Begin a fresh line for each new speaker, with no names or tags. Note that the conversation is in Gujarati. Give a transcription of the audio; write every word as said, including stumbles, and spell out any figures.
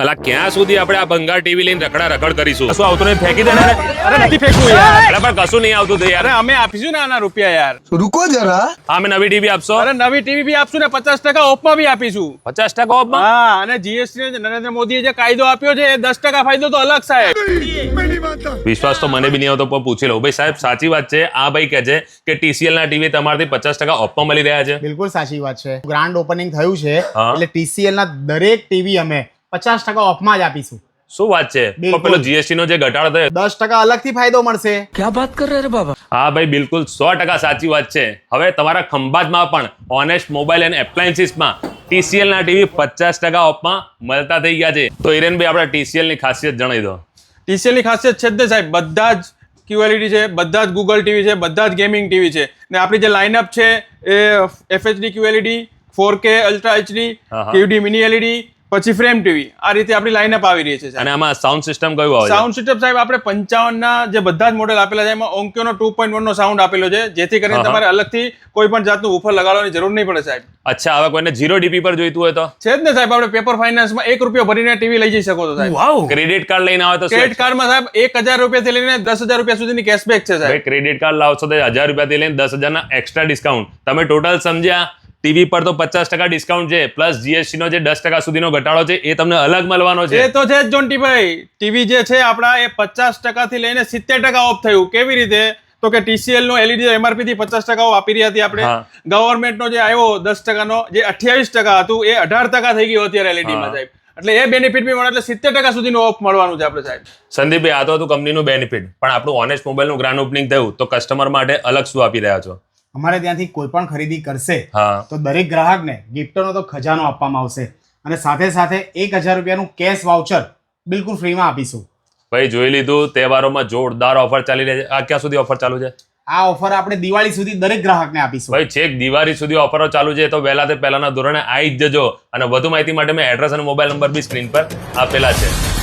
અલા ક્યાં સુધી આપણે આ ભંગાર ટીવી લઈને રખડા રખડ કરીશું?
કશું આવતું નહીં, ફેંકી દે ને.
અરે નથી ફેંકવું યાર.
અલા પણ કશું નહીં આવતું તો યાર.
અરે અમે આપીશું ને આના રૂપિયા યાર.
रुको जरा
હા અમે નવી ટીવી આપશો?
અરે નવી ટીવી બી આપશું ને પચાસ ટકા ઓફમાં બી આપીશું.
પચાસ ટકા ઓફમાં?
હા, અને જીએસટી નરેન્દ્ર મોદીએ જે કાયદો આપ્યો છે એ દસ ટકા ફાયદો તો અલગ સાહેબ.
વિશ્વાસ તો મને બી નહીં આવતો પણ પૂછી લઉં. ભાઈ સાહેબ સાચી વાત છે આ ભાઈ કહે છે કે ટીસીએલ ના ટીવી તમારથી પચાસ ટકા ઓફમાં મળી રહ્યા છે?
બિલકુલ સાચી વાત છે. ગ્રાન્ડ ઓપનિંગ થયું છે
હા.
એટલે ટીસીએલ ના દરેક ટીવી અમે પચાસ ટકા ઓફમાં જ આપીશું.
શું વાત છે?
બિલકુલ.
પણ પેલો જીએસટી નો જે ઘટાડો થયો
દસ ટકા અલગથી ફાયદો મળશે.
હા ભાઈ બિલકુલ સો ટકા સાચી વાત છે. હવે તમારા ખંભાતમાં પણ ઓનેસ્ટ મોબાઈલ એન્ડ એપ્લાયન્સીસમાં ટીસીએલ ના ટીવી પચાસ ટકા ઓફમાં મળતા થઈ ગયા છે. તો હિરેનભાઈ આપણા ટીસીએલ ની ખાસિયત જણાવી દો.
ટીસીએલ ની ખાસિયત છે જ ને સાહેબ, બધા જ ક્યુએલઈડી છે, બધા જ ગૂગલ ટીવી છે, બધા જ ગેમિંગ ટીવી છે. ને આપણી જે લાઇનઅપ છે એ FHD QLED, four K ultra HD,
હા, હા.
કેયુડી મિની એલઈડી, પછી ફ્રેમ ટીવી, આ રીતે આપણી લાઇનઅપ આવી રહી છે સાહેબ.
અને આમાં સાઉન્ડ સિસ્ટમ કયું આવે છે?
સાઉન્ડ સિસ્ટમ સાહેબ આપણે પંચાવન ના જે બધા જ મોડેલ આપેલા છે એમાં ઓન્ક્યોનો ટુ પોઈન્ટ વન નો સાઉન્ડ આપેલો છે, જેથી કરીને
હા, હા.
તમારે અલગથી કોઈ પણ જાતનું ઉફર લગાડવાની જરૂર નહીં પડે સાહેબ.
અચ્છા હવે કોઈને જીરો ડીપી પર જોઈતું હોય તો?
છે જ ને સાહેબ, આપણે પેપર ફાઇનાન્સમાં એક રૂપિયો ભરીને ટીવી લઈ જઈ શકો છો સાહેબ.
ક્રેડિટ કાર્ડ લઈને આવે તો શું?
ક્રેડિટ કાર્ડમાં સાહેબ એક હજાર રૂપિયાથી લઈને દસ હજાર રૂપિયા સુધીની કેશબેક છે સાહેબ.
ભાઈ ક્રેડિટ કાર્ડ લાવશો તો હજાર રૂપિયાથી લઈને દસ હજારના એક્સ્ટ્રા ડિસ્કાઉન્ટ. તમે ટોટલ સમજ્યા? ટીવી પર તો પચાસ ટકા ડિસ્કાઉન્ટ છે, પ્લસ જીએસટી નો જે દસ ટકા સુધીનો ઘટાડો છે એ તમને અલગ મળવાનો છે.
એ તો છે જ જોન્ટીભાઈ. ટીવી જે છે આપણા એ પચાસ ટકા થી લઈને સિત્તેર ટકા ઓફ થયું. કેવી રીતે? તો કે ટીસીએલ નો એલઈડી એમઆરપી થી પચાસ ટકા ઓફ આપી રહી હતી આપણે.
હા.
ગવર્મેન્ટ નો જે આવ્યો દસ ટકાનો જે અઠ્યાવીસ ટકા હતું એ અઢાર ટકા થઈ ગયું અત્યારે એલઈડી માં
હા.
સાહેબ. એટલે એ બેનિફિટ બી મળે એટલે સિત્તેર ટકા સુધીનો ઓફ મળવાનું છે આપણે સાહેબ.
સંદીપભાઈ આ તો હતું કંપનીનું બેનિફિટ, પણ આપણું ઓનેસ્ટ મોબાઈલનું ગ્રાન્ડ ઓપનિંગ થયું તો કસ્ટમર માટે અલગ શું આપી રહ્યા છો?
અમારે ત્યાંથી કોઈ પણ ખરીદી કરશે
હા.
તો દરેક ગ્રાહકને ગિફ્ટનો તો ખજાનો આપવામાં આવશે અને સાથે સાથે એક હજાર રૂપિયાનું કેશ વાઉચર બિલકુલ ફ્રીમાં આપીશું.
ભાઈ જોઈ લીધું, તહેવારોમાં જોરદાર ઓફર ચાલી રહી છે. આ ક્યાં સુધી ઓફર ચાલુ છે?
આ ઓફર આપણે દિવાળી સુધી દરેક ગ્રાહકને આપીશું.
ભાઈ છેક દિવાળી સુધી ઓફરો ચાલુ છે, તો વહેલા તે પહેલાના ધોરણે આવી જ જજો. અને વધુ માહિતી માટે મેં એડ્રેસ અને મોબાઈલ નંબર બી સ્ક્રીન પર આપેલા છે.